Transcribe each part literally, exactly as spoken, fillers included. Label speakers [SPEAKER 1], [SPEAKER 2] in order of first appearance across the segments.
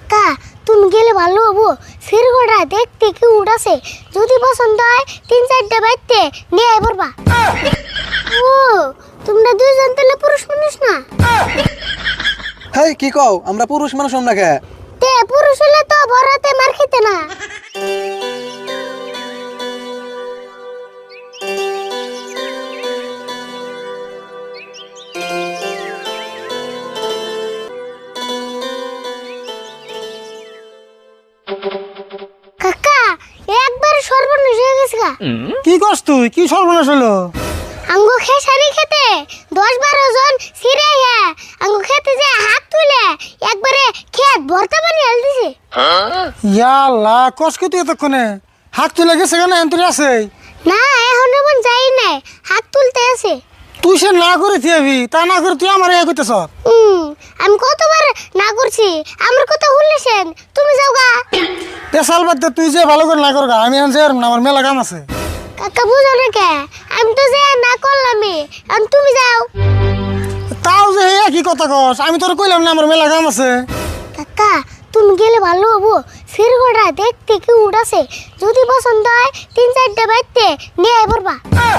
[SPEAKER 1] কাকা তুমি গেলে ভালো হবো। সিরগোটা দেখতে কি উড়াছে, যদি পছন্দ হয় তিন চারটা বাইতে নিয়ে আই পড়বা। ও তোমরা দুইজন তাহলে পুরুষ মানুষ না?
[SPEAKER 2] হেই কি কও, আমরা পুরুষ মানুষ না কে?
[SPEAKER 1] তে পুরুষ হলে তো বড়তে মার খেতে না। কাকা একবার সর্বনাশ হয়ে গেছে গা।
[SPEAKER 3] কি করছ তুই? কি সর্বনাশ হলো?
[SPEAKER 1] আঙ্গু খেসারি খেতে দশ বারো জন সিরে হ্যাঁ আঙ্গু খেতে যে হাত তুলে একবারে খেত ভর্তা পানি হেল দিছে।
[SPEAKER 3] ইয়াল্লা কসকে তুই এতক্ষণে হাত তুলে গেছে কেন? এন্তরি আছে
[SPEAKER 1] না এখন এমন যাই নাই, হাত তুলতে আছে।
[SPEAKER 3] তুই সে না করে থিয়াবি, তা না করে তুই আমার এ করতেছ।
[SPEAKER 1] হুম আমি কতবার না করছি, আমার কথা শুনলেছেন তুমি যাও গা।
[SPEAKER 3] পেশাল বাদ দে, তুই যে ভালো করে না কর গা, আমি আনছি আর আমার মেলা কাম আছে।
[SPEAKER 1] কাকা বুঝো না কে, আমি তো যে না করলামই, এখন তুমি যাও।
[SPEAKER 3] তাও যে হে একই কথা কস, আমি তোর কইলাম না আমার মেলা কাম আছে।
[SPEAKER 1] কাকা তুমি গেলে ভালো হবো। সিরগোটা দেখতে কি উড়াছে, যদি পছন্দ হয় তিন চারটা বাইতে নিয়ে আই পড়বা।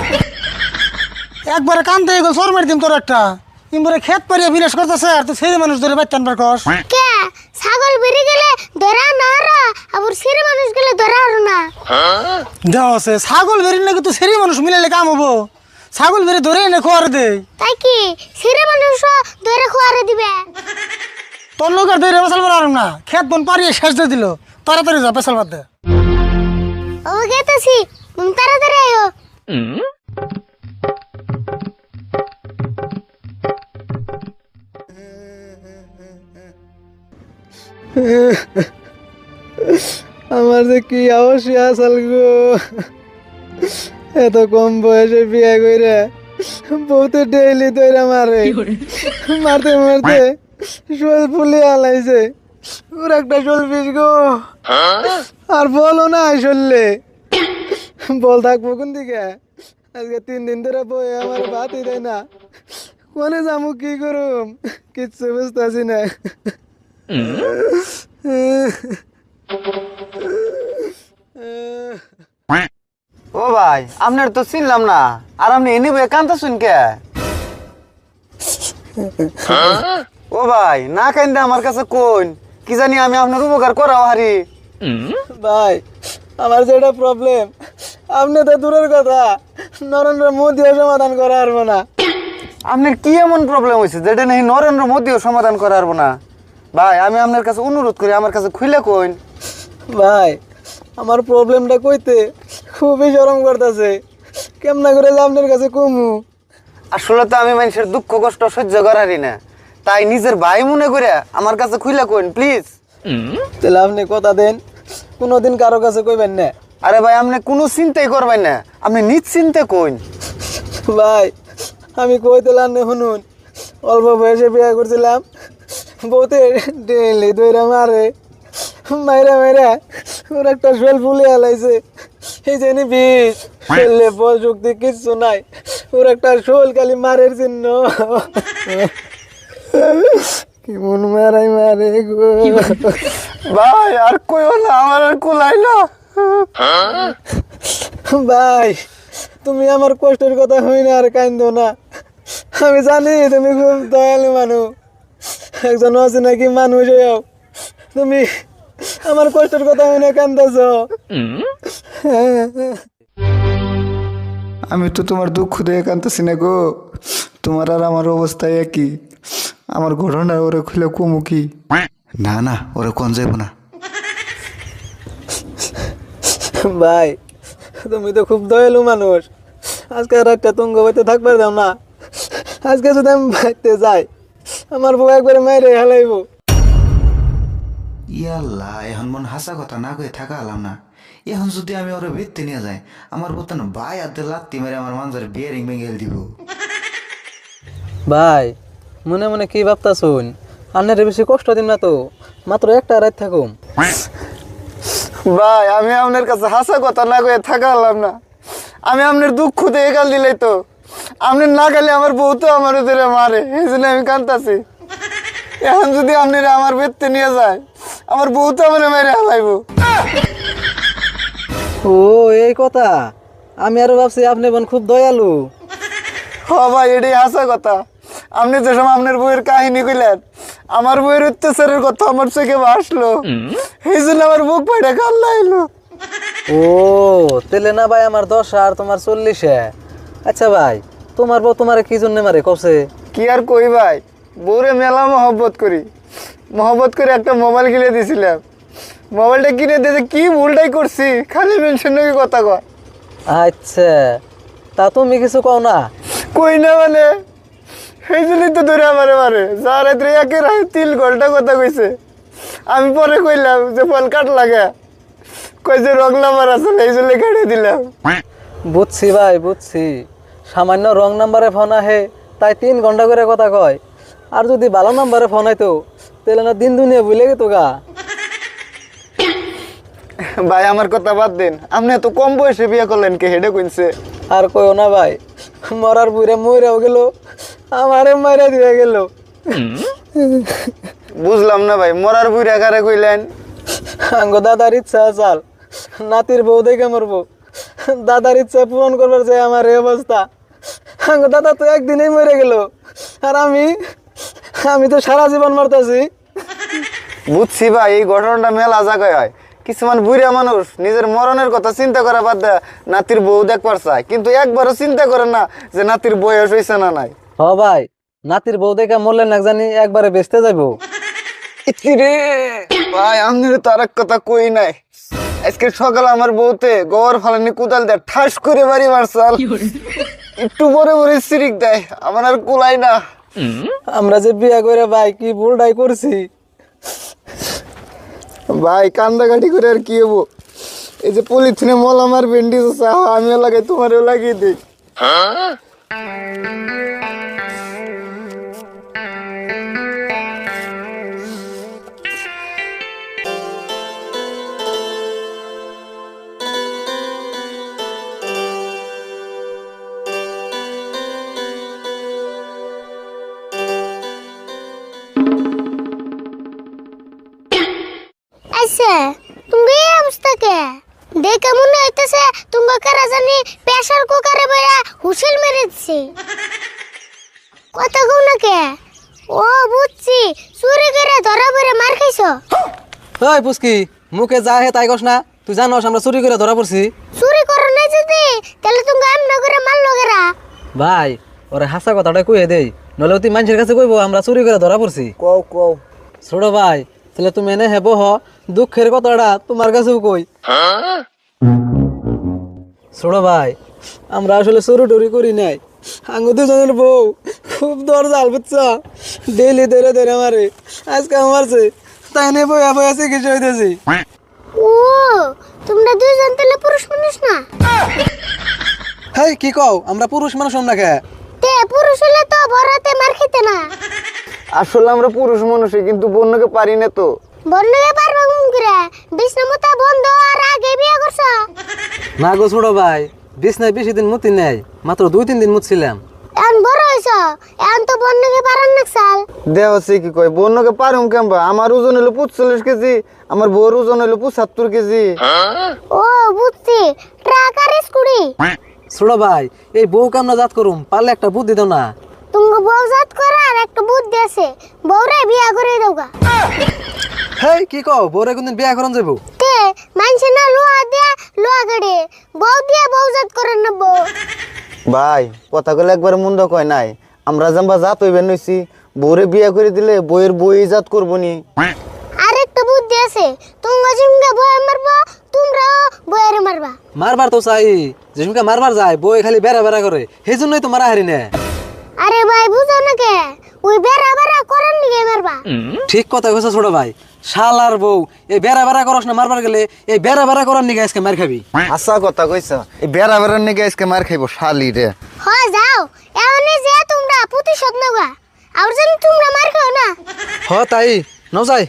[SPEAKER 3] একবারে কান্দে গেল সর মারি দিম তোর একটা। ইমবারে খেত পারিয়া বিনাশ করতেছে আর তুই ছেলে মানুষ ধরে বাইতে আনবার কস।
[SPEAKER 1] কে ছাগল বেরিয়ে গেলে ধরা না হারা, আবার সিরে মানুষ গেলে ধরা হারো না।
[SPEAKER 3] দেওয়া আছে ছাগল বেরিয়ে নাকি তুই ছেলে মানুষ মিলাইলে কাম হবো? ছাগল বেরিয়ে ধরে এনে খোয়ার দে।
[SPEAKER 1] তাই কি সিরে মানুষ ধরে খোয়ারে দিবে?
[SPEAKER 3] তোর লোক আর ধরে পেশাল পারলাম না, খেত বন পারিয়ে শেষ দিয়ে দিল। তাড়াতাড়ি যা পেশাল বাদ দে।
[SPEAKER 1] ও গেতেছি, তুমি তাড়াতাড়ি আয়ো।
[SPEAKER 2] আমার যে কি অবশ্যই আসাল গো, এত কম বয়সে বিয়ে করে বউতে ডেইলি দইরা মারে, মারতে মারতে শোল ফুলে আলাইছে। ওর একটা শোল পিস গো, আর বলো না শোললে বল থাকবো কোন দিকে? আজকে তিন দিন ধরে বই আমার ভাতই দেয় না। কোনে যামু কি করুম কিচ্ছু বুঝতেছি না।
[SPEAKER 4] ও ভাই আপনার তো চিনলাম না, আর আপনি এনে বয়ে কান্দা শুন কে? ও ভাই না কান্দা আমার কাছে কোন, কি জানি আমি আপনার উপকার করাও হারি।
[SPEAKER 2] ভাই আমার যেটা প্রবলেম আপনি তো দূরের কথা নরেন্দ্র মোদীও সমাধান করা পারবো না।
[SPEAKER 4] আপনার কি এমন প্রবলেম হয়েছে যেটা নাকি নরেন্দ্র মোদীও সমাধান করা পারবো না? ভাই আমি আপনার কাছে অনুরোধ করি আমার কাছে খুলে কইন।
[SPEAKER 2] ভাই আমার প্রবলেমটা কইতে খুবই শরম করতেছে, কেমনা করে যে আপনার কাছে কমু।
[SPEAKER 4] আসলে তো আমি মানুষের দুঃখ কষ্ট সহ্য করারই না, তাই নিজের ভাই মনে করে আমার কাছে খুলে কইন প্লিজ।
[SPEAKER 2] তাহলে আপনি কথা দেন কোনোদিন কারো কাছে কইবেন না।
[SPEAKER 4] আরে ভাই আপনি কোনো চিন্তাই করবেন না, আপনি নিশ্চিন্তে কইন।
[SPEAKER 2] ভাই আমি কইতেলাম না শুনুন, অল্প বয়সে বিয়ে করছিলাম, বউতে ডেলি দইরা মারে, মাইরা মাইরা ওর একটা শোল ফুলে আলাইছে। এই জানি বিষ ফেললে প্রযুক্তি কিচ্ছু নাই, ওর একটা শোল খালি মারের চিহ্ন। কেমন মারাই মারে গো
[SPEAKER 4] ভাই আর কইও না, আমার আর কুলাইলো।
[SPEAKER 2] ভাই তুমি আমার কষ্টের কথা হই না আর কান্দো না। আমি জানি তুমি খুব দয়ালু মানুষ, একজন আছে নাকি মানুষ হয়েও তুমি আমার কষ্টের কথা হই না কান্দাছ।
[SPEAKER 5] আমি তো তোমার দুঃখ দিয়ে কাঁদতেছি না গো, তোমার আর আমার অবস্থা একই। আমার ঘটনা ওরে খুলে কমু কি? না না ওরে কোন যাইব না।
[SPEAKER 2] ভাই তুমি তো খুব দয়ালু মানুষ, আজকে রাতটা তুঙ্গ বাইতে থাকবার দাও না। আজকে যদি আমি বাইতে যাই আমার বউ একবারে মাইরে হেলাইব।
[SPEAKER 5] ইয়াল্লা এখন মন হাসা কথা না কয়ে থাকা হলাম না। এখন যদি আমি ওরে ভিত্তি নিয়ে যাই আমার বোতানো ভাই হাতে লাত্তি মেরে আমার মানুষের বিয়ারিং ভেঙে দিব।
[SPEAKER 2] ভাই মনে মনে কি ভাবতা শুন, আন্নারে বেশি কষ্ট দিন না তো, মাত্র একটা রাত থাকুম।
[SPEAKER 4] ভাই আমি আপনার কাছে হাসা কথা না কয়ে থাকালাম না, আমি আপনার দুঃখ দিয়ে গাল দিলাই তো, আপনি না গেলে আমার বউ তো আমার ধরে মারে, এই জন্য আমি কাঁদতাছি। এখন যদি আপনারা আমার বেদতে নিয়ে যায় আমার বউ তো আমার মেরে হালাইবো।
[SPEAKER 2] ও এই কথা, আমি আরো ভাবছি আপনি বোন খুব দয়ালু।
[SPEAKER 4] হ ভাই, এটাই হাসা কথা। আপনি যে সময় আপনার বইয়ের কাহিনী কইলেন, আমার বইয়ের অত্যাচারের কথা আমার চোখে ভাসলো, এই জন্য আমার বুক ফাইটা কান্না এলো।
[SPEAKER 2] ও তেলে না ভাই আমার দশ আর তোমার চল্লিশে। আচ্ছা ভাই, তোমার বউ তোমার কি জন্য মারে কছে?
[SPEAKER 4] কি আর কই ভাই, বউরে মেলা মহব্বত করি, মহব্বত করে একটা মোবাইল কিনে দিয়েছিলাম। মোবাইলটা কিনে দিয়েছে, কি ভুলটাই করছি, খালি মেনশন নাকি কথা কয়।
[SPEAKER 2] আচ্ছা, তা তুমি কিছু কও না?
[SPEAKER 4] কই না মানে, সেই জন্যই তো ধরে আমারে মারে। যা রাত্রে একে রায় তিন ঘন্টা কথা কইছে। আমি পরে কইলাম যে ফল কাট লাগে, কই যে রং নাম্বার আছে, এই জন্য কেটে দিলাম।
[SPEAKER 2] বুঝছি ভাই বুঝছি, সামান্য রং নাম্বারে ফোন আহে তাই তিন ঘন্টা করে কথা কয়। আর যদি ভালো নাম্বারে ফোন আইতো তাহলে না দিন দুনিয়া ভুলে গেত গা।
[SPEAKER 4] ভাই আমার কথা বাদ দিন, আপনি এত কম বয়সে বিয়ে করলেন কে, হেডে কইছে?
[SPEAKER 2] আর কইও না ভাই, মরার বুড়ে মইরাও গেল, আমারে মাইরা দিয়ে গেল।
[SPEAKER 4] বুঝলাম না ভাই, মরার বুড়ি আকারে কইলেন?
[SPEAKER 2] আঙ্গ দাদার ইচ্ছা চাল, নাতির বউ দেখে মরবো, দাদার ইচ্ছা পূরণ করবার চাই আমার এই অবস্থা। আঙ্গ দাদা তো একদিনেই মরে গেল, আর আমি আমি তো সারা জীবন মরতেছি।
[SPEAKER 4] বুঝছি ভাই, এই ঘটনাটা মেলা জায়গায় হয়। কিছুমান বুড়া মানুষ নিজের মরণের কথা চিন্তা করা বাদ দেয় নাতির বউ দেখবার চায়, কিন্তু একবারও চিন্তা করে না যে নাতির বয়স হয়েছে না নাই।
[SPEAKER 2] হ ভাই, নাতির বউ দেখে মরলে না জানি একবারে বেচতে যাইবো।
[SPEAKER 4] রে ভাই, আমি তো আর এক কথা কই নাই। আজকে সকালে আমার বউতে গোবর ফালানি কোদাল দেয়, ঠাস করে বাড়ি মারছাল, একটু বড় বড় সিরিক দেয়, আমার আর কুলাই না।
[SPEAKER 2] আমরা যে বিয়া করে ভাই কি ভুলটাই করছি।
[SPEAKER 4] ভাই কান্দাকাটি করে আর কি হবো, এই যে পলিথিনে মল আমার ব্যান্ডেজ আছে, আমিও লাগাই, তোমারও লাগিয়ে দিই।
[SPEAKER 1] আচ্ছা, তুমি এই অবস্থা কে? দেখে মনে হইতেছে তুমি কারা জানি প্রেসার কুকারে বেড়া হুসেল মেরে দিছে। কথা কও না কে? ও বুঝছি, চুরি করে ধরা পড়ে মার খাইছো।
[SPEAKER 2] ওই পুস্কি, মুখে যা হে তাই কস না। তুই জানোস আমরা চুরি করে ধরা পড়ছি।
[SPEAKER 1] চুরি করো নাই যদি তাহলে তুমি এমন করে মারলো কেরা?
[SPEAKER 2] ভাই ওরে হাসা কথাটা কইয়ে দেই, নলে তুই মানুষের কাছে কইবো আমরা চুরি করে ধরা পড়ছি।
[SPEAKER 4] কও কও।
[SPEAKER 2] ছোট ভাই, তাহলে তুমি এনে হেবো হ, দুঃখের কথাটা তোমার কাছেও কই। ছোট ভাই, আমরা আসলে চুরি টুরি করি নাই। আঙ্গু দুজনের বউ খুব দরজাল বুঝছ, ডেইলি ধরে ধরে মারে, আজকে মারছে, তাই নিয়ে বইয়া বইয়া চিকিৎসা হইতেছি।
[SPEAKER 1] ও তোমরা দুইজন তাহলে পুরুষ মানুষ না?
[SPEAKER 2] হেই কি কও, আমরা পুরুষ মানুষ না কে?
[SPEAKER 1] তে পুরুষ হলে তো বড়তে মার খেতে না।
[SPEAKER 4] আসলে আমরা পুরুষ মানুষই, কিন্তু বন্যকে পারি না তো।
[SPEAKER 1] বন্যকে পারবা কোন করে? বিষ্ণুমতা বন্ধ আর আগে বিয়ে করছো।
[SPEAKER 2] না গো ছোট ভাই, বিছনায় বেশি দিন মুতি নাই, মাত্র দুই তিন দিন মুতছিলাম।
[SPEAKER 1] এখন বড় হইছো, এখন তো বন্যকে পারান না চাল।
[SPEAKER 4] দেহ হচ্ছে কি কয়, বন্যকে পারুম কেমবা? আমার ওজন হলো পঁচল্লিশ কেজি, আমার বউর ওজন হলো পঁচাত্তর কেজি।
[SPEAKER 1] ও বুঝছি, ট্রাক আর স্কুটি।
[SPEAKER 2] ছোট ভাই, এই বউ কামনা জাত করুম, পারলে একটা বুদ্ধি দাও না।
[SPEAKER 1] তুমি বউ জাত করার একটা বুদ্ধি আছে, বউরে বিয়া করে দাওগা।
[SPEAKER 2] হেই কি কও, বউরে কোনদিন বিয়া করন যাবো?
[SPEAKER 1] তে মানছে না লোহা দিয়ে লোহা গাড়ে, বউ দিয়ে বউ জাত করে নেব।
[SPEAKER 4] ভাই কথা গুলো একবার মন্দ কয় নাই, আমরা জাম্বা জাত হইবেন নইছি, বউরে বিয়া করে দিলে বইয়ের বই জাত করবো নি।
[SPEAKER 1] আর একটা বুদ্ধি আছে, তুমি জিমকে বয়ে মারবা, তোমরাও বয়েরে মারবা।
[SPEAKER 2] মারবার তো চাই, যেসুমকে মারবার যায় বই খালি বেড়া বেড়া করে, সেই জন্যই তো মারা হারি না।
[SPEAKER 1] আরে ভাই বুঝো না কে, ওই বেড়া বেড়া করেন নিয়ে মারবা।
[SPEAKER 2] ঠিক কথা কইছো ছোট ভাই, শালার বউ এই বেড়া বেড়া করস না, মারবার গেলে এই বেড়া বেড়া করার নিগে আজকে মার খাবি।
[SPEAKER 4] আশা কথা কইছ, এই বেড়া বেড়ার নিগে আজকে মার খাইব শালি রে।
[SPEAKER 1] হয় যাও, এমনি যে তোমরা প্রতিশোধ নেবা, আর যেন তোমরা মার খাও না।
[SPEAKER 2] হ তাই ন যাই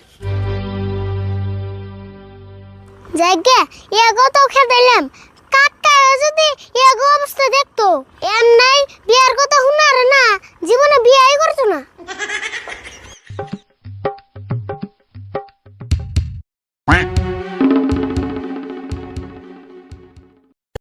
[SPEAKER 1] জায়গা এগো তো খেদাইলাম, কাকা যদি এগো অবস্থা দেখতো, এম নাই বিয়ার কথা শুনার না, জীবনে বিয়াই করতো না।
[SPEAKER 5] quack